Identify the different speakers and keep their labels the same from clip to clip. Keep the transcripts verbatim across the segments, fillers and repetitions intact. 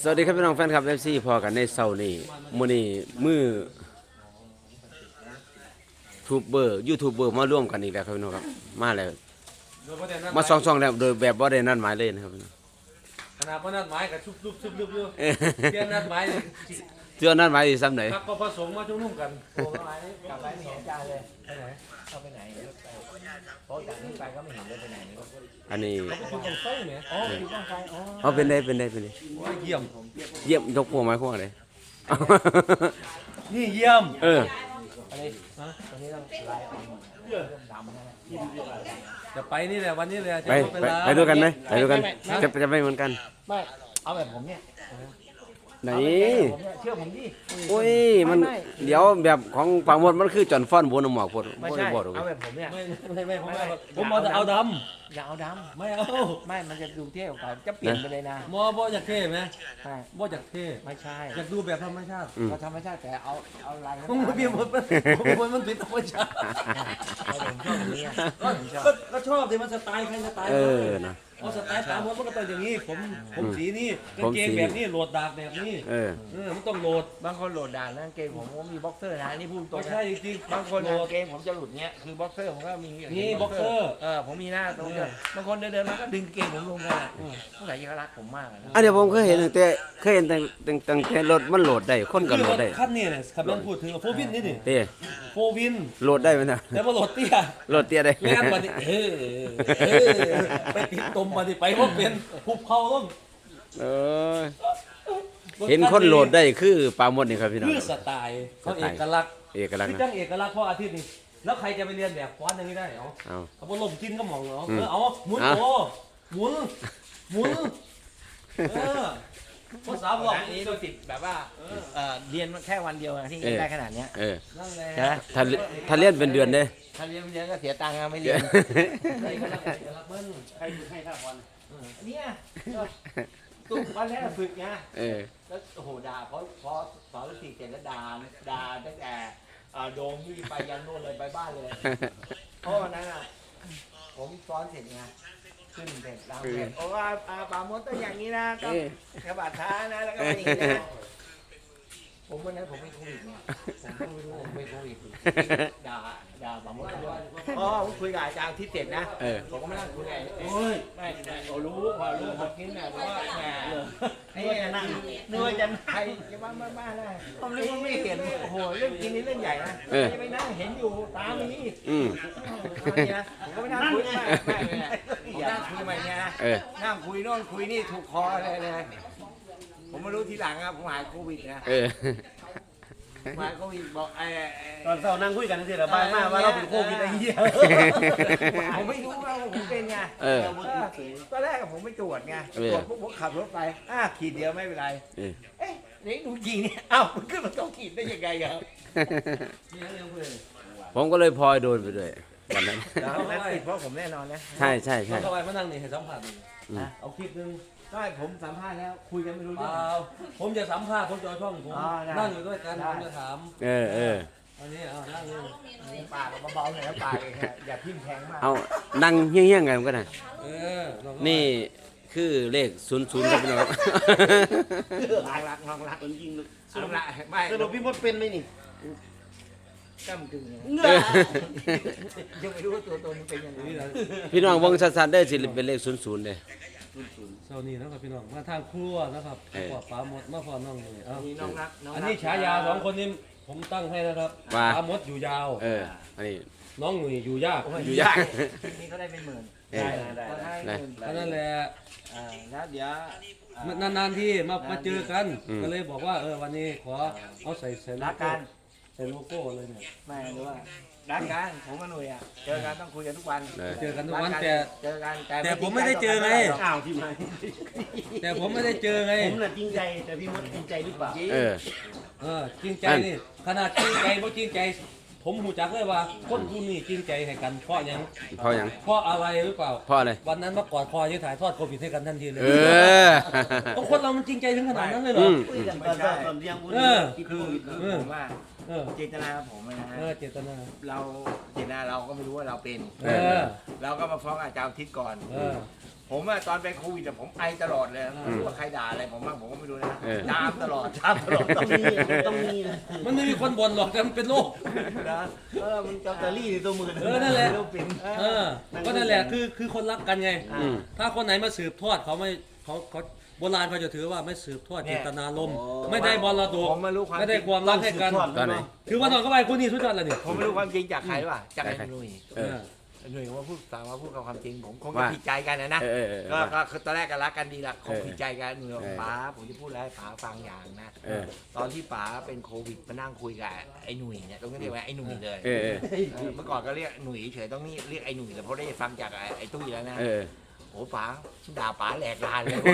Speaker 1: สวัสดีครับพี่น้องแฟนคลับ เอฟ ซี พอกันในเช้านี้มื้อนี้มือทูบเบอร์ยูทูบเบอร์มาร่วมกันอีกแล้วครับพี่น้องครับมาแล้วมาสองๆแล้วโดยแบบบ่ได้นัดหมายเลยนะครับพี่น้อง
Speaker 2: ขนาดว่านัดหมายกับชุบลุบชุบลุบอยู่เที่ยนัดหมาย
Speaker 1: เชื่อนัดหมายสิซ้ำไหน
Speaker 2: พักก็ผสมมาชุมนุมกัน
Speaker 3: โอ้ยกลับไปไม่เห็นจานเลยไปไหนเข้าไปไหนเพราะจากนี้ไปก็ไม่เห็นเลยไปไหน
Speaker 1: อันนี้
Speaker 2: เขาก็คือตรงไฟเนี่ย
Speaker 3: อ๋อคือต้องไปอ๋อ
Speaker 1: เอาเป็นได้เป็นได้เป็นได้
Speaker 2: ว่าเยี่ยม
Speaker 1: เยี่ยมยกพวกไม้พวกอะไร
Speaker 2: นี่เยี่ยม
Speaker 1: เออ
Speaker 3: อันนี้นะตอนนี้ต้องไล่ออกเรื่องดำนะ
Speaker 2: จะไปนี่แหละวันนี้เลยจะ
Speaker 1: ไป
Speaker 2: ไป
Speaker 1: ไป
Speaker 2: ลา
Speaker 1: ไปด้วยกันไหมไปด้วยกันจะจะไปเหมือนกัน
Speaker 3: ไม่เอาแบบผมเนี่ย
Speaker 1: ไหน
Speaker 3: ผมเนี่ยเชื่อผมดิ
Speaker 1: โอ้ยมันเดี๋ยวแบบของปางมดมันคือจอนฟ้อนบนหมอกพด
Speaker 3: ไม่
Speaker 1: บ่
Speaker 3: ใช่
Speaker 1: ได้บ่ดอก
Speaker 3: เอาแบบผมเนี่ย
Speaker 2: ไม่ไม่ไม่ผมไม่ผมเอาแต่เอาด
Speaker 3: อย่าเอาด
Speaker 2: ำไม่เอา
Speaker 3: ำไม่มันจะดูเท่กว่าจะเปลี่ยนไปเลยนะ
Speaker 2: มอบ่อยากเท่ไหม
Speaker 3: ใช่
Speaker 2: บ่อยากเท่
Speaker 3: ไม่ใช่
Speaker 2: อยากดูแบบธรรมชาติ
Speaker 3: เราธรรมชาติแต่เอาเอาลาย
Speaker 2: ผมไม่เพียงหมดมันมันผิดธรรมชาติ
Speaker 3: ผมชอบอย่างนี้
Speaker 2: ก็ก็ชอบที่มันสไตล์ใครสไตล์
Speaker 1: เอ
Speaker 2: มัน
Speaker 1: อนะ
Speaker 2: เอาสไตล์ตามมันก็ต้องอย่างนี้ ผมผมสีนี้กาง
Speaker 1: ผม
Speaker 2: เก
Speaker 1: สี
Speaker 2: งแบบนี้โหลดดาบแบบนี้
Speaker 1: เออ
Speaker 2: เออมันต้องโหลด
Speaker 3: บางคนโหลดด่านนะเกมผมก็มีบ็อกเซอร์นะนี่พูดตร
Speaker 2: ไม่
Speaker 3: งนะ
Speaker 2: ใช่จริงๆ
Speaker 3: บางคน
Speaker 2: โหลด
Speaker 3: เกมผมจะหลุดเงี้ยคือบ็อกเซอร์ผมก็มี
Speaker 2: นี่บ็อกเซอร์
Speaker 3: เออผมมีหน้าตรงเนี้ยบางคนเดินๆมาก็ดึงเกมผมลงเลยอ่ะผู้ใหญ่ยังรักผมมากอะนะ
Speaker 1: อันเดี๋ยวผมเคยเห็นตั้งแต่เคยเห็นตั้งตั้งตั้งแต่รถมันโหลดได้คนก็โหลดได้
Speaker 2: ขั้นนี้เนี่ยคำนั้นพูดถึงโฟวินนี่นี่
Speaker 1: เต้
Speaker 2: โฟวิน
Speaker 1: โหลดได้ไหมนะ
Speaker 2: แต่ว่าโหลดเตี้ย
Speaker 1: โหลดเตี้ยได้
Speaker 2: แม่นมาดิเออเออไปติดตมมาดิไปว่าเป็นหุบเขาต้อง
Speaker 1: เออเห็นคนโหลดได้คือปลาหมดนี่ครับพี่น้อง
Speaker 2: คือสไตล์เขาเอกลักษณ์
Speaker 1: เอกลักษ
Speaker 2: คือ
Speaker 1: ณ์
Speaker 2: จั
Speaker 1: นะ
Speaker 2: งเอกลักษณ์เพราะอาทิตย์นี้แล้วใครจะไปเรียนแบบฟ้อนอย่างนี้ได้เหรอ
Speaker 1: เอา
Speaker 2: เขาบอกลมกินก็มองเหรอ
Speaker 1: อืม
Speaker 2: เออเอาหมุน
Speaker 1: อ่ะ
Speaker 2: โอ้หมุนหมุนเออภาษาบอก
Speaker 3: อันนี้ตัวติดแบบว่าเออเรียนแค่วันเดียวนะที่ได้ขนาดเนี้ย
Speaker 1: เออ
Speaker 2: นั่นแหละ
Speaker 3: ใช่ไหม
Speaker 1: ถ้าถ้าเรียนเป็นเดือนเด้
Speaker 3: ถ้าเรียนเยอะก็เสียตังค์อะไม่เรียน
Speaker 2: ใครก็รักเอกลักษณ์มัน
Speaker 3: ใครให้ค่าบอลเนี่ยตุ้มวันแรกฝึกไง
Speaker 1: เออ
Speaker 3: แล้วโอ้โหด่าเพราะเพราะสอนสี่เสร็จแล้วด่าด่าตั้งแต่อ่าโดมที่ไปยันโน่นเลยไปบ้านเลย เพราะวันนั้นอ่ะผมซ้อนเสร็จไงขึ้นเสร็จแล้วเสร็จโอ้ว่าอ่าป่ามดต้องอย่างนี้นะกับ
Speaker 1: เออ
Speaker 3: กระบาดท้านะแล้วก็อย่างนี้นะผมวันนั้นผมไม่โควิดเนี่ยผมไม่รู้ผมไม่โควิดด่าด่าป่ามดด้วยอ๋อผมคุยกับอาจารย์ที่เสร็จนะ
Speaker 1: เออ
Speaker 3: ผมก็ไม่นั่งคุยไงโอ้ยไม่ไม่ผมรู้พอรู้ผมกินแบบว่าแหมไอ้นั่งนึกว่าจะใครจะบ้าบ้าบ้าได้ผมนึกว่าไม่เห็นโอ้โหเรื่องกินนี่เรื่องใหญ่นะ
Speaker 1: เออ
Speaker 3: จะไปนั่งเห็นอยู่ตามนี้
Speaker 1: อืม
Speaker 3: เอาเนี่ยนะผมก็ไม่นั่งคุยไม่ไม่ไม่ผมนั่งคุยมาเนี่ยนะ
Speaker 1: เออ
Speaker 3: นั่งคุยโน่นคุยนี่ถูกคอเลยเลยผมมารู้ทีหลังครับผมหายโควิดนะ
Speaker 1: เออ
Speaker 3: หายโควิดบอกไอ้
Speaker 2: ตอนเช้านั่งคุยกันทีละบ้านมากว่าเราเป็นโควิดไอ้เหี้ย
Speaker 3: ผมไม่รู้ว่าผมเป็นไง
Speaker 1: เออ
Speaker 3: ตอนแรกผมไม่ตรวจไง
Speaker 1: เออ
Speaker 3: ตรวจปุ๊บผมขับรถไปอ่ะขีดเดียวไม่เป็นไร
Speaker 1: เออ
Speaker 3: เอ๊ะนี่ดูจริงเนี่ยอ้าวมันขึ้นมาต้องขีดได้ยังไงครับ
Speaker 1: ผมก็เลยพลอยโดนไปด้วยวันนั้น
Speaker 3: แล้วนั้นติดเพราะผมแน่นอนนะ
Speaker 1: ใช่ใช่
Speaker 2: เรา
Speaker 1: ใช่
Speaker 2: เข้าไปมานั่งนี่ให้สัมผัสนี่
Speaker 1: อืม
Speaker 2: เอาคลิปหนึง
Speaker 3: ใช่ผมสัมภาษณ์แล้วคุยกันไม่รู้
Speaker 2: เป
Speaker 3: เรื่อง
Speaker 2: ล่าผมจะสัมภาษณ์ผมจะเอาช่องผม
Speaker 3: อ๋อได้
Speaker 2: นั่งอยู่ด้วยกัน
Speaker 3: ได้
Speaker 2: ผมจะถาม
Speaker 1: เออเออ
Speaker 2: อันนี้เอานั่งนี่
Speaker 3: ปากเบาๆหน่อยนะปากเองฮะอย่าทิ่มแทงมาก
Speaker 1: เอานั่งเฮี้ยงๆกันก็ได้
Speaker 2: เออเราก็
Speaker 1: นี่คือเลขศูนย์ศูนย์ครับพี่น้องครับ
Speaker 3: ลองรักลองรักจริงๆลองรักไม่
Speaker 2: สรุปพี่มดเป็นไหมนี่
Speaker 3: ก้ำกึ่งไง
Speaker 1: เออ
Speaker 3: ยังไม่รู้ว่าตัวตนมันเป็นยังไง
Speaker 2: นี่แหละ
Speaker 1: พี่น้องวงสัตว์ได้สิเป็นเลขศูนย์ศูนย์เลย
Speaker 2: เช้านี้นะครับพี่น้องมาทางครัวนะครับ
Speaker 1: เออ
Speaker 2: ขอปลาหมดมาพอน้องเลยเอา
Speaker 3: มีน้องรักน้องรัก
Speaker 2: อันนี้ฉายาสองคนนี้ผมตั้งให้นะครับ
Speaker 1: ว่า
Speaker 2: ปลาหมดอยู่ยาว
Speaker 1: เอออันนี้
Speaker 2: น้องหนุ่ยอยู่ยาก
Speaker 3: โอ้
Speaker 1: อยู่ยาก
Speaker 3: คลิปนี้เขาได้เป็นหมื่น
Speaker 1: เออ
Speaker 3: ได้ได้
Speaker 1: ได้
Speaker 2: แค่นั้นแหละ
Speaker 3: อ่าแล้วเดี๋ยวอ่
Speaker 2: นานๆที่มามาเจอกัน
Speaker 1: อืม
Speaker 2: ก็เลยบอกว่าเออวันนี้ขอเอาใส่ใส่โล
Speaker 3: รัก
Speaker 2: โก้
Speaker 3: กัน
Speaker 2: ใส่โลโก้เลยเนี่ย
Speaker 3: ไม่รู้ว่ารักกันผมกับหนุ่ยอ่ะเจอกันต้องคุยกันทุกวัน
Speaker 1: เออ
Speaker 2: เจอกันทุกวัน
Speaker 3: รั
Speaker 2: แต่
Speaker 3: เจอกัน
Speaker 2: แต่ผมไม่ได้เจอไง
Speaker 3: อ้าวที่ไหน
Speaker 2: แต่ผมไม่ได้เจอไง
Speaker 3: ผมน่ะจริงใจแต่พี่มดจริงใจหรือเปล่า
Speaker 1: เออ
Speaker 2: เออจริงใจนี่ขนาดจริงใจเพราะจริงใจ ผมหูจักเลยว่าคนผู้นี้จริงใจให้กันเพราะหยัง
Speaker 1: เพราะหยัง
Speaker 2: เพราะอะไรหรือเปล่า
Speaker 1: เพราะอะไร
Speaker 2: วันนั้นเมื่อก่อนคอยจะถ่ายทอดโควิดให้กันทันทีเลย
Speaker 1: เออ
Speaker 2: ต้องคนเรามันจริงใจถึงขนาดนั้นเลยเหร
Speaker 1: อื
Speaker 2: อ
Speaker 1: ม
Speaker 3: คุยกันไม่ใช่
Speaker 2: เออ
Speaker 3: คือคือผมว่า
Speaker 2: เออ
Speaker 3: เจตนาของผมนะฮะ
Speaker 2: เออเจตนา
Speaker 3: เราเจตนาเราก็ไม่รู้ว่าเราเป็น
Speaker 2: เออ
Speaker 3: เราก็มาฟ้องอาจารย์ทิศก่อน
Speaker 2: เออ
Speaker 3: ผผมอะตอนเป็นโควิดอะผมไอตลอดเลยไม่รู้ว่าใครด่าอะไรผมบ้างผมก็ไม่รู้นะ
Speaker 1: เออ
Speaker 3: จามตลอดจามตลอด
Speaker 4: ต้องมีต้องมีนะ
Speaker 2: มันไม่มีคนบ่นหรอกแต่มันเป็นโรค
Speaker 3: นะเออมัน
Speaker 4: กับตาลี่ในตัวมือ
Speaker 2: เออนั่นแหละ
Speaker 4: เราเป็น
Speaker 2: เออก็นั่นแหละคือคือคนรักกันไง
Speaker 1: อืม
Speaker 2: ถ้าคนไหนมาสืบทอดเขาไม่เขาเขาโบราณเขาจะถือว่าไม่สืบทอดเจตนารมณ์ไม่ได้บอลระดก
Speaker 3: ผมไม่รู้ความ
Speaker 2: ไม่ได้ความรักให้กัน
Speaker 1: ตอนไหน
Speaker 2: คือวันนอนก็ไปคู่นี้สุดยอดเลยนี่
Speaker 3: ผมไม่รู้ความจริงจากใครว่ะจากไอ้
Speaker 1: จากใคร
Speaker 3: หนุ่ย
Speaker 1: เออ
Speaker 3: หนุ่ยว่าพูดสามารถพูดกับความจริงผมคงจะ
Speaker 1: ว่า
Speaker 3: ผิดใจกันนะนะ
Speaker 1: เออเออเอ
Speaker 3: ก็
Speaker 1: อ
Speaker 3: ก็คือตอนแรกก็รักกันดีละคง
Speaker 1: เออ
Speaker 3: ผิดใจกันหนุ่ยบอก
Speaker 1: เออ
Speaker 3: ป๋าผมจะพูดอะไรให้ป๋าฟังอย่างนะ
Speaker 1: เออ
Speaker 3: ตอนที่ป๋าเป็นโควิดมานั่งคุยกับไอ้หนุ่ยเนี่ยต้องเรียกว่าไอ้หนุ่ยเลย
Speaker 1: เออเออ
Speaker 3: เออเมื่อก่อนก็เรียกหนุ่ยเฉยต้องนี่เรียกไอ้หนุ่ยเลยเพราะได้ฟังจากไอ้ไอ้ตุ้ยแล้วนะ
Speaker 1: เออ
Speaker 3: โอ้ป๋าด่าป๋าแหลกลานเลย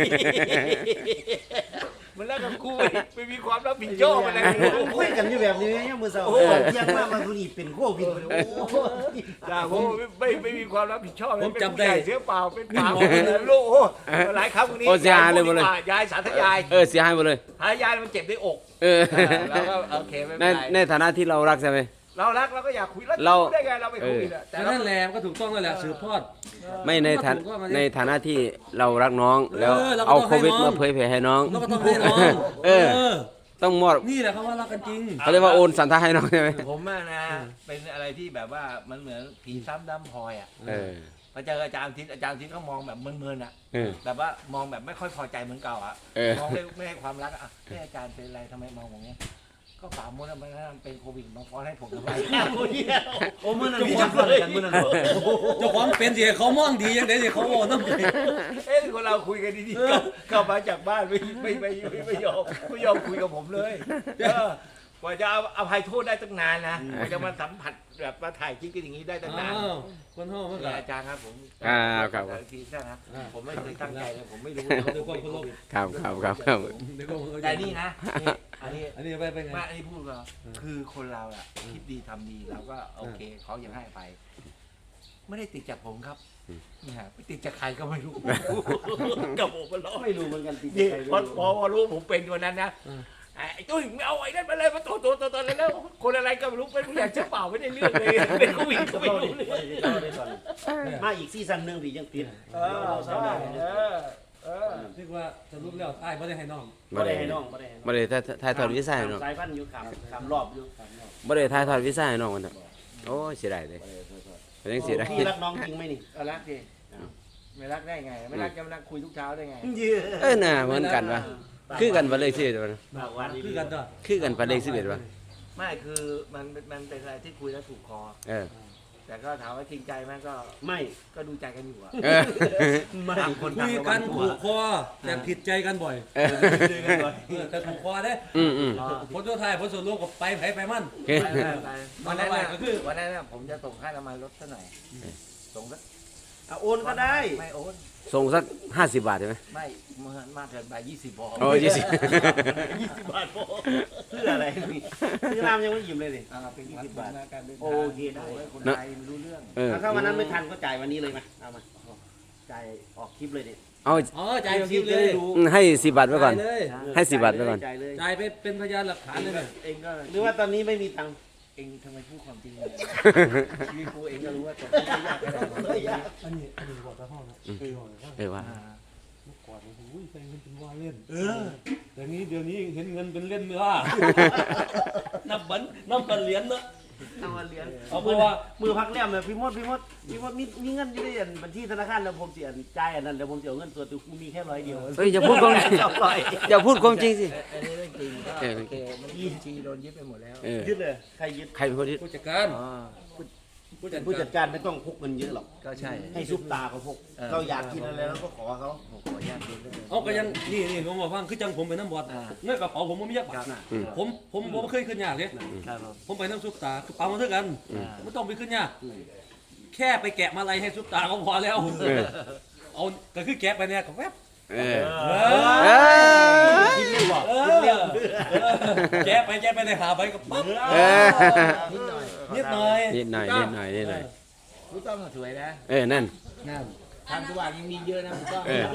Speaker 3: มันแล้วกับกูไม่มีความรับผิดชอบอะไรเลย
Speaker 4: คุยกันอยู่แบบนี้เนี่ยมือเสา
Speaker 3: โอ้
Speaker 4: โอ้เที่ยงมากมาทุนีเป็นโควิดโอ้โห
Speaker 3: ด่าผมไม่ไม่มีความรับผิดชอบเลย
Speaker 2: ผม
Speaker 3: เป็น
Speaker 2: จำ
Speaker 3: ผู้
Speaker 2: ได้
Speaker 3: ใหญ่เสียเปล่าเป็นเปล่าเป็นลูกโอ้หลายครั้งวันนี้
Speaker 1: โอ้เสียหายเลยหมดเลย
Speaker 3: ยายสาธยาย
Speaker 1: เออเสียหายหมดเลย
Speaker 3: สาธยายมันเจ็บในอก
Speaker 1: เออ
Speaker 3: เออแล้วก็โอเคไม่
Speaker 1: ใน
Speaker 3: เป็นไร
Speaker 1: ในฐานะที่เรารักใช่ไหม
Speaker 3: เรารักเราก็อยากคุยแล้ว
Speaker 1: เรา
Speaker 3: ได้ไงเราไปคุยอะแต่
Speaker 2: แต่
Speaker 3: เรา
Speaker 2: นั่นแหละก็ถูกต้องนั่นแหละสืบทอด
Speaker 1: ไม่ในฐานะ
Speaker 2: ก็ถูกต้องอันนี้
Speaker 1: ในฐานะที่เรารักน้องแล้ว
Speaker 2: เออเราก็
Speaker 1: เอา
Speaker 2: ต้อง
Speaker 1: โควิด
Speaker 2: ให้น้อง
Speaker 1: มาเผยแผ่ให้น้อง
Speaker 2: แล้วก็ต้องให้น้อง
Speaker 1: เออ ต้องมอบ
Speaker 2: นี่แหละเขาว่ารักกันจริง
Speaker 1: เขาเรียกว่าโอนสันทาให้น้องใช่ไหม
Speaker 3: ผมอะนะเป็นอะไรที่แบบว่ามันเหมือนผีซ้ำดำพลอยอ่ะ
Speaker 1: เออ
Speaker 3: พอเจออาจารย์ทิศอาจารย์ทิศเขามองแบบเมินๆอ่ะ
Speaker 1: เออ
Speaker 3: แบบว่ามองแบบไม่ค่อยพอใจเหมือนเก่าอ่ะ
Speaker 1: เออ
Speaker 3: มองไม่ไม่ให้ความรักอะอ่ะเฮ้ยอาจารย์เป็นอะไรทำไมมองอย่างเงี้ยก็ป่ามดอะมันเป็นโควิดมาฟ้อนให้ผมทำไม
Speaker 4: โอ้มือนั่นมีจักรกันมือนั่น
Speaker 2: เจ้าของเป็นสิเขามองดียังไงสิเขาโอ้น้ำใจ
Speaker 3: เอ้ยคนเราคุยกันดีๆกลับกลับมาจากบ้านไม่ไม่ไม่ไม่ไม่ยอมไม่ยอมคุยกับผมเลยเออกว่าจะเอาอภัยโทษได้ตั้งนานนะกว่าจะมาสัมผัสแบบมาถ่ายคลิปกันอย่างนี้ได้ตั้งนาน
Speaker 2: อ้าวคนห้องมันก็
Speaker 3: อาจารย์ครับผม
Speaker 1: อ่าครับ
Speaker 3: ทีนะผมไม่เคยตั้งใจเลยผมไม่รู้
Speaker 2: เดี๋ยวก่อนคนลง
Speaker 1: ครับครับครับครับ
Speaker 2: เดี๋ยวก่อนคนลง
Speaker 3: แต่นี่นะนี่อันนี้
Speaker 2: อันนี้ไปไปไง
Speaker 3: ไมาอันนี้พูดก็คือคนเราอะคิดดีทำดีเราก็โอเคเขายังให้ไป ไม่ได้ติดจากผมครับนี่ฮะไปติดจากใครก็ไม่รู้ กับผมมันล้อ
Speaker 4: ไม่รู้เหมือนกันติด
Speaker 3: นี่
Speaker 4: ใจ
Speaker 3: พอพอพอรู้ผมเป็นวันนั้นนะไอ้ตุ้ยไม่เอาไอ้นั่นมาเลยมาตัวตัวตัวตัวแล้วคนอะไรก็ไม่รู้เป็นผู้ใหญ่เจ้าเปล่าไม่ได้เรื่องเลยเป็นโควิดก็ไม่รู้เลย
Speaker 4: มาอีกซีซั่นหนึ่งพี่ยังติด
Speaker 3: เออใช่เออเออ
Speaker 2: เรียกว่าสรุปแล้วไอ้ไม่ได้ให้น้อง
Speaker 4: ไม่ได้ให้น้องไม่ได้ให้น้อง
Speaker 1: บ่ได้ถ่ายถ่ายทอดวิสัยน้อง
Speaker 4: สายพันธุ์อยู่ขามขามรอบอยู่ขามรอบ
Speaker 1: บ่ได้ถ่ายทอดวิสัยน้องมันน่ะโอ้ยเสียดายเลยเป็นจังเสียดาย
Speaker 4: พี่รักน้องจริงไหมนี่
Speaker 3: เอารักดิไม่รักได้ไงไม่รักจะมานั่งคุยทุกเช้าได้ไง
Speaker 4: เยือ
Speaker 1: เออน่ะเหมือนกันว่ะคือกันบ่เลยสิเด้อ
Speaker 4: ปากวัน
Speaker 2: คือกันต่อ
Speaker 1: คือกันปานเลขสิบเอ็ดว่ะ
Speaker 3: ไม่คือมันมันเป็นอะไรที่คุยแล้วถูกคอ
Speaker 1: เออ
Speaker 3: แต่ก็ถามว่าจริงใจไหมก็
Speaker 4: ไม่
Speaker 3: ก็ดูใจกันอยู่อะ
Speaker 1: เออ
Speaker 4: ไม่
Speaker 3: ต่างคน
Speaker 2: คุ
Speaker 3: ต่าง
Speaker 2: ย
Speaker 3: ระ
Speaker 2: กั
Speaker 3: วัน งตั
Speaker 2: ถู
Speaker 3: ว
Speaker 2: กคอแต่ผิดใจกันบ่อย
Speaker 1: เออ
Speaker 2: เออแต่ถูกคอเด้
Speaker 1: อืมอืม
Speaker 2: ผลตัวไทายผลส่วนรวมก็ไปไผไปมัน
Speaker 1: โอเค
Speaker 3: ไปไปไปวันนั้นน่ะ
Speaker 2: ก็คือ
Speaker 3: วันนั้นน่ะผมจะส่งค่าน้ำมันรถซะหน่อยส่งสัก
Speaker 4: เอาโอนก็ได้
Speaker 3: ไม่โอน
Speaker 1: ส่งสักห้าสิบบาทใช่ไหม
Speaker 3: ไม่มากเกินไปยี่สิบพอ
Speaker 1: โอ้ยี่สิบ
Speaker 3: ยี่สิบบาทพอ
Speaker 4: เพื่ออะไรพี่ซื้อน้ำยังไม่ยิ้มเลยดิ
Speaker 3: อ่าเป็นยี่สิบบาทการเดินทาง
Speaker 4: โอเคได้
Speaker 3: โอ้ยคนไทยมันรู้เรื่อง
Speaker 1: เออ
Speaker 4: ถ้าวันนั้นไม่ทันก็จ่ายวันนี้เลยไหมเอามาจ่ายออกคลิปเลยดิ
Speaker 1: เอา
Speaker 2: อ๋อจ่ายคลิปเลย
Speaker 1: ให้สิบบาทไว้ก่อน
Speaker 2: จ่ายเลย
Speaker 1: ให้สิบบาทไว้ก่อน
Speaker 4: จ่ายเลย
Speaker 2: จ่ายไปเป็นพยานหลักฐานเลยเนี่ย
Speaker 3: เองก็
Speaker 4: หรือว่าตอนนี้ไม่มีตังค์
Speaker 3: เองทำไมพูดความจริงเลยชีวิตกูเองก็รู้ว่าตกไม่ยากขนาดนั้น
Speaker 2: อันนี้อันนี้บอกตาพ่อนะเคยบอกว่า
Speaker 1: เออว่า
Speaker 3: อ่า
Speaker 2: เมื่อก่อนโอ้โหใช้เงินเป็นว่าเล่น เออ แต่นี้เดี๋ยวนี้เห็นเงินเป็นเล่นเนื้อ นับบันนับบันเหรียญเนอะ
Speaker 3: เอามาเลี้ยง
Speaker 2: เอาเพราะว่า
Speaker 4: มือพักแรมเลยพี่มดพี่มดพี่มดมีมีเงินอยู่ในบัญชีธนาคารแล้วผมเสียจ่ายอันนั้นแล้วผมเสียเงินส่วนตัวกูมีแค่ร้อยเดียว
Speaker 1: เฮ้ยอย่าพูดความจริง
Speaker 4: สองร้อย
Speaker 1: อย่าพูดความจริงสิ
Speaker 3: อันนี้เรื่องจริงก็
Speaker 1: เออ
Speaker 3: โอเคมันยี่ชีโดนยึดไปหมดแล้ว
Speaker 1: เออ
Speaker 4: ยึดเลยใครยึด
Speaker 1: ใครเป็นคนยึด
Speaker 2: ผู้จัดการ
Speaker 3: อ๋อ
Speaker 2: ผู้จัด
Speaker 4: ผู้
Speaker 2: กา
Speaker 4: จั
Speaker 2: ร
Speaker 4: ดการไม่ต้องพกเงินเยอะหรอก
Speaker 3: ก็ใช่
Speaker 4: ให้ซุปตาเขาพก
Speaker 3: เออ
Speaker 4: เราอยากกินอะไรเราก็ขอเขา
Speaker 3: ผมขออนุญาตดูด้วย
Speaker 2: เอาก็ยังนี่นี่ผมบอกว่าคือจังผมไปน้ำบอด
Speaker 3: อ่า
Speaker 2: เงินกระเป๋าผมไม่มียักบาท
Speaker 1: อืม
Speaker 2: ผมผมผมเคยขึ้นยากเลย
Speaker 3: ครับผม
Speaker 2: ผมไปน้ำซุปตากระเป๋ามาเท่ากัน
Speaker 3: อ่า
Speaker 2: ไม่ต้องไปขึ้นยากแค่ไปแกะมาลัยให้ซุปตาก็พอแล้ว
Speaker 1: เออ
Speaker 2: เอาก็คือแกะไปเนี่ยก็แวบ
Speaker 1: เออ
Speaker 2: เอ
Speaker 1: เอ
Speaker 2: อ
Speaker 1: อ
Speaker 4: คิดเรื่องบอก
Speaker 2: เอ
Speaker 4: คิดเรื่อง
Speaker 2: อแกะไปแกะไปในหาไปก็ปั๊บ
Speaker 1: เออ
Speaker 3: นิดหน่อย
Speaker 2: นิดหน่อย
Speaker 1: นิดหน่อยนิดหน่อยนิดหน่อย
Speaker 3: รู้ต้องสวยนะ
Speaker 1: เออนั่น
Speaker 3: นั่นทางสว่างยังมีเยอะนะรู้ต้อง
Speaker 1: เออ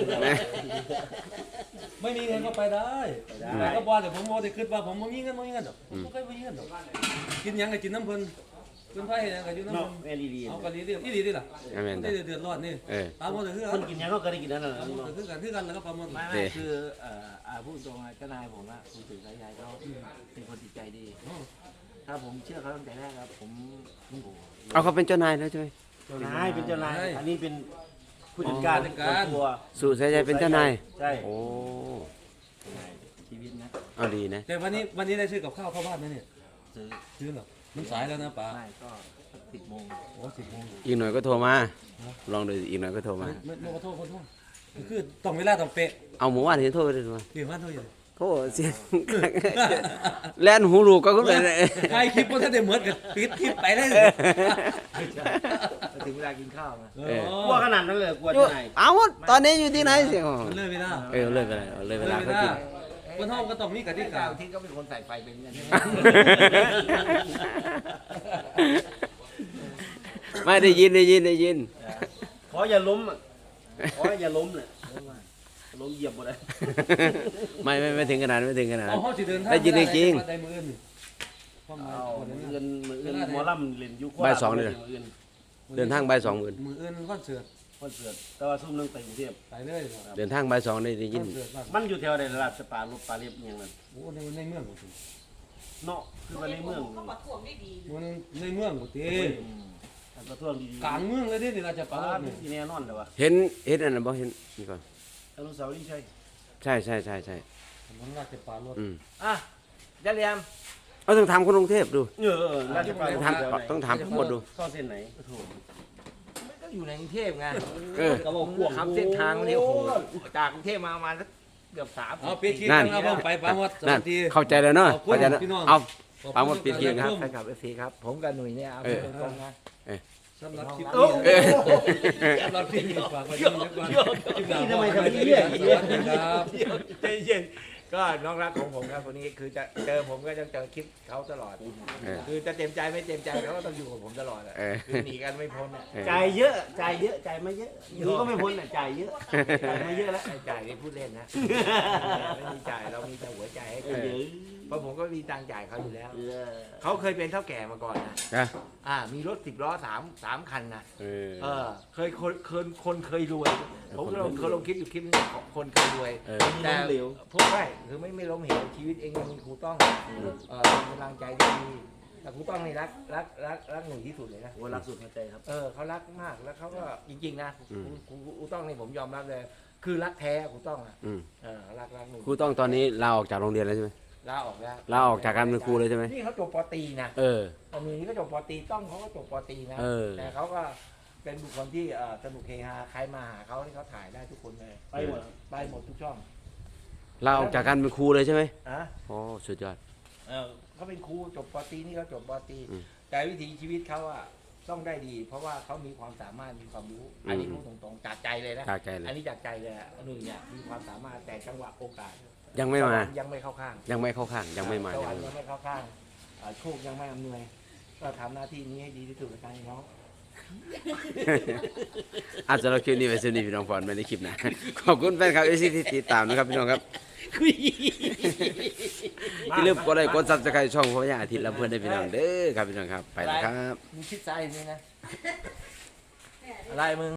Speaker 2: ไม่มีเงินก็ไปได้แต่ก็บอกแต่ผมโมได้คิดว่าผมไม่มีเงินไม่มีเงินหรอกผมไม่เคยมีเงินหรอกกินหยังก็กินน้ำเพิ่นเป็นไผ่เนี่ยก็อยู่น้ำ
Speaker 4: เนาะ
Speaker 2: มัน
Speaker 4: แอลอีดี
Speaker 2: เอากันดีดิอีดีดิล่ะ
Speaker 1: แม่น
Speaker 2: ได้
Speaker 1: จ้ะ
Speaker 2: เดือดร้อนนี่
Speaker 1: เออ
Speaker 2: ปลาหมดก็คือ
Speaker 4: คนกินยังก็เคยได้กินนั่นน่ะ
Speaker 2: ปลาหมดก็คือกันคือกันแล้วก็ปลาหมด
Speaker 4: ไม่
Speaker 1: เด้
Speaker 4: ไม่คือเอ่ออ่าพูดตรงๆเจ้านายผมอะคุณตื่นสายใยเขาเป็นคนจิตใจดี ถ้าผมเชื่อเขาตั้งแต่แรกครับผมโอ้โห
Speaker 1: เอาเขาเป็นเจ้านายแล้วใช่ไหม
Speaker 4: เจ้านายเป็นเจ้านาย อันนี้เป็นผู้จัดการส่วนตัว
Speaker 1: สู่สายใจเป็นเจ้านาย
Speaker 4: ใช่
Speaker 1: โอ้
Speaker 4: ชีวิตนะ
Speaker 1: เอาดีนะ
Speaker 2: แต่วันนี้วันนี้ได้ซื้อกับข้าวเข้าบ้านไหมเนี่ย
Speaker 4: ซื้อ
Speaker 2: ซื้อเหรอมันสายแล้วนะป๋า
Speaker 4: ไม่ก็สิบโมง
Speaker 2: โอ้สิบโมง
Speaker 1: อีกหน่อยก็โทรมา ลองดูอีกหน่อยก็โทรมา
Speaker 2: ไม่ไม่ขอโทษขอโทษคือต้องเวลาต้องเป๊ะ
Speaker 1: เอาหมู่บ้านเห็นโทรไปเลยมา
Speaker 2: เกี่ยวกับโทษอยู่
Speaker 1: โทรเสียง แล่นหูลูกก็ขึ้นไปเลย
Speaker 2: ใครคลิปว่าถ้าได้เหมือนกับปิดคลิปไปเลย
Speaker 3: ถึงเวลากินข้าวนะ
Speaker 2: เออก
Speaker 4: ลัวขนาดนั้นเลยกลัวเจ้านาย
Speaker 1: เอาตอนนี้อยู่ที่ไหนเสียง
Speaker 2: มันเลยไม่ได้
Speaker 1: เออเลยไปเลยเลยเวลาเขากิน
Speaker 2: บนห้องก็ต้องมีกติกา
Speaker 3: เจ้าที่ก็เป็นคนใส่ไฟเป็นกันใช่ไหม
Speaker 1: ไม่ได้ยินได้ยินได้ยิน
Speaker 4: ขออย่าล้มอะขออย่าล้มเลยล้มเหยียบหมดเลย
Speaker 1: ไม่ไม่ไม่ถึงขนาดนั้นไม่ถึงขนาด
Speaker 2: เอา
Speaker 1: นั้น
Speaker 2: ห้องสิเดินทาง
Speaker 1: ได้ยินได้จริง
Speaker 2: ได้มืออื่นความหมาย
Speaker 4: เอา
Speaker 2: วัน
Speaker 4: มือ
Speaker 2: นี้
Speaker 4: เงินมือเงินหมอลำเล่นยุค
Speaker 1: บ่ายสองเลย
Speaker 4: มือเงิน
Speaker 1: เดินทางบ่ายสองหมื่น
Speaker 2: มืออื่นคอนเสิร์ต
Speaker 4: คอนเสิร์ตแต่ว่าซุ่มนึงไปกรุงเทพ
Speaker 2: ไปเลยค
Speaker 1: เดินทางบ่ายสองได้ได้ยิน
Speaker 2: อนเสิร์ตบ้าน
Speaker 4: มันอยู่แถวใดระดับสปาลบปลาเรียบอหย่างนั้น
Speaker 2: โอ้ในในเมืองกูสิ
Speaker 4: เนาะคือว่าในเมือง
Speaker 5: เขามาท่วมได้ดี
Speaker 2: มันในเมืองกูติ
Speaker 4: มันก็ท่วมดีๆ
Speaker 2: กลางเมืองเลยดินี่ราช
Speaker 4: ป
Speaker 2: ปา
Speaker 4: ลา
Speaker 2: ล
Speaker 4: เป็
Speaker 2: นี่
Speaker 4: นที่แน่นอนเลยวะ
Speaker 1: เห็นเห็นอันนั้นบ่เห็นนี่ก่อน
Speaker 4: อนุสาวรีย์ใช่
Speaker 1: ใช่ใช่ใช่ใช่
Speaker 2: มันราชปาล
Speaker 1: อืม
Speaker 3: อ่ะจะเรียม
Speaker 1: เอาต้องถามคนกรุงเทพดู
Speaker 4: เออเออราชปลา
Speaker 1: ต้องถามต้องถามทั้งหมดดู
Speaker 4: เข้าเส้นไหนโถ
Speaker 3: มันก็อยู่ในกรุงเทพไง
Speaker 1: เออ
Speaker 3: ก็บอกพวกขับเส้นทางมันเนี่ยโอ้โหจากกรุงเทพมาประมาณสักเกือบสาม
Speaker 2: เอาปิดคลิป
Speaker 1: นั่น
Speaker 2: นะครับผมไปปาหมดส
Speaker 1: นั่
Speaker 2: วัน สดี
Speaker 1: เข้าใจแล้วเนาะ
Speaker 2: ขอบคุณ
Speaker 1: เข้าใจแล้ว
Speaker 2: พี่น้อง
Speaker 1: เอา
Speaker 2: ขอบ
Speaker 1: ปาหมดปิดคลิปครับ
Speaker 3: แฟนคลับเอฟซีครับ ผมกับหนุ่ยเนี่ยเอา
Speaker 1: เออ
Speaker 3: ตรงๆนะ
Speaker 2: สำหรับคลิป
Speaker 3: โอ้
Speaker 2: นี้
Speaker 3: โห
Speaker 2: สำหรับคลิปนี้ฝากไว้ด้วยนะครับคลิปหน้า
Speaker 4: ทำไม
Speaker 2: ขอ
Speaker 4: ทำ
Speaker 2: ให้
Speaker 4: เรื่อย
Speaker 2: ส
Speaker 4: เรื่อย
Speaker 2: วัสดีครับ
Speaker 3: ใจเย็นก็น้องรักของผมครับคนนี้คือจะเจอผมก็จะเจอคลิปเขาตลอด
Speaker 1: เออ
Speaker 3: คือจะเต็มใจไม่เต็มใจเขาก็ต้องอยู่กับผมตลอดอ่ะ
Speaker 1: เออ
Speaker 3: คือหนีกันไม่พ้นอ่ะ
Speaker 1: เออ
Speaker 4: จ่ายเยอะจ่ายเยอะจ่ายไม่เยอะอย่างนี้ก็ไม่พ้นอ่ะจ่ายเยอะจ่ายไม่เยอะแล้ว
Speaker 3: ไอ้จ่ายนี่พูดเล่นนะไม่มีจ่ายเรามีแต่หัวใจให้
Speaker 4: เอ
Speaker 3: กัน
Speaker 4: อ
Speaker 3: เพราะผมก็มีตังค์จ่ายเขาอยู่แล้ว
Speaker 4: เออ
Speaker 3: เขาเคยเป็นเท่าแก่มาก่อนนะ
Speaker 1: นะ
Speaker 3: อ่ามีรถสิบล้อสามสามคันนะ
Speaker 1: เออ
Speaker 3: เออเคยคนคนคนเคยรวย ผมก็ลงเคยลงคลิปอยู่คลิปนึงของคนเคยรวย
Speaker 1: เออ
Speaker 3: แต่พวกไม่คือไม่ไม่ล้มเหวชีวิตเองยังมีครูต้องเออเป็นกำลังใจที่ดีแต่ครูต้องนี่รักรักรักรักหนุ่ยที่สุดเลยนะ
Speaker 4: โอ้รักสุดหัวใจครับ
Speaker 3: เออเขารักมากแล้วเขาก็จริงๆนะครูครูครูต้องนี่ผมยอมรับเลย คือรักแท้ครูต้องอ่ะ
Speaker 1: อืม
Speaker 3: เออรักรักหนุ่ย
Speaker 1: ครูต้องตอนนี้ลาออกจากโรงเรียนแล้วใช่ไหม
Speaker 3: ลาออกแล้ว
Speaker 1: ลาออกจากการเป็นครูเลยใช่ไหม
Speaker 3: นี่เขาจบปตรีนะ
Speaker 1: เออ
Speaker 3: ตอนนี้ก็จบปตรีต้องเขาก็จบปตรีนะ
Speaker 1: เออ
Speaker 3: แต่เขาก็เป็นบุคคลที่เอ่อสนุกเฮฮาใครมาหาเขาที่เขาถ่ายได้ทุกคนเลย
Speaker 4: ไปหมด
Speaker 3: ไปหมดทุกช่อง
Speaker 1: ลาออกจากการเป็นครูเลยใช่ไหม
Speaker 3: อ่ะ
Speaker 1: โอ้สุดยอด
Speaker 3: เออเขาเป็นครูจบปตรีนี่เขาจบปตรี
Speaker 1: อืม
Speaker 3: แต่วิถีชีวิตเขาอะต้องได้ดี เพราะว่าเขามีความสามารถมีความรู้ อันนี้พูดตรงๆจากใจเลยนะ
Speaker 1: จากใจเลย
Speaker 3: อันนี้จากใจเลยอะหนุ่ยเนี่ยมีความสามารถแต่จังหวะโอกาส
Speaker 1: ยังไม่มา
Speaker 3: ยังไม่เข้าข้าง
Speaker 1: ยังไม่เข้าข้าง ยังไม่มา
Speaker 3: ส
Speaker 1: ยั
Speaker 3: วร
Speaker 1: ง
Speaker 3: รค์
Speaker 1: ไม่
Speaker 3: ยังไม่เข้าข้างอ่าโชคยังไม่อำนวย ก็ทำหน้าที่นี้ให้ดีที่สุดในการน้อง
Speaker 1: อาจจะเราคลิปนี้ไปสนิทพี่น้องฟอนไม่ได้คลิปนะ ขอบคุณแฟนคลับเอซีที่ติดตามนะครับพี่น้องครับอย่าลืมกดไลค์กดซับสไครต์ช่องพ่อใหญ่อาทิตย์ละเพื่อนได้พี่น้องเด้อครับพี่น้องครับ ไปแล้วครับ
Speaker 3: มึงคิดซ้ายนี่นะ อะไรมึง